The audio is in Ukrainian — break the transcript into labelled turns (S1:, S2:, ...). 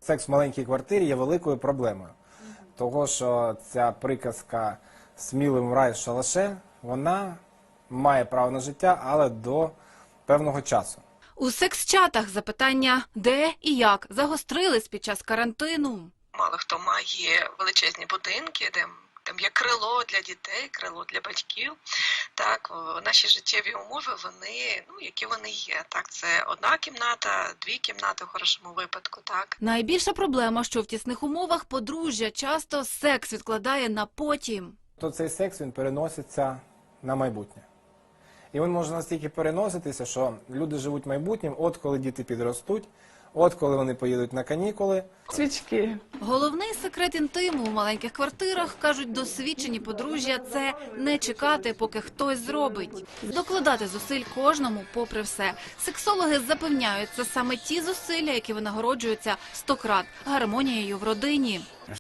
S1: секс в маленькій квартирі є великою проблемою. Того, що ця приказка «смілим в рай в шалаше», вона має право на життя, але до певного часу.
S2: У секс-чатах запитання «де» і «як» загострились під час карантину.
S3: Мало хто має величезні будинки, де там є крило для дітей, крило для батьків. Так, наші життєві умови, вони, які вони є. Так, це одна кімната, дві кімнати в хорошому випадку, так.
S2: Найбільша проблема, що в тісних умовах подружжя часто секс відкладає на потім.
S1: То цей секс, він переноситься на майбутнє. І він може настільки переноситися, що люди живуть майбутнім, от коли діти підростуть, от коли вони поїдуть на канікули.
S4: Свічки.
S2: Головний секрет інтиму у маленьких квартирах, кажуть досвідчені подружжя, це не чекати, поки хтось зробить. Докладати зусиль кожному попри все. Сексологи запевняють, це саме ті зусилля, які винагороджуються 100 крат гармонією в родині.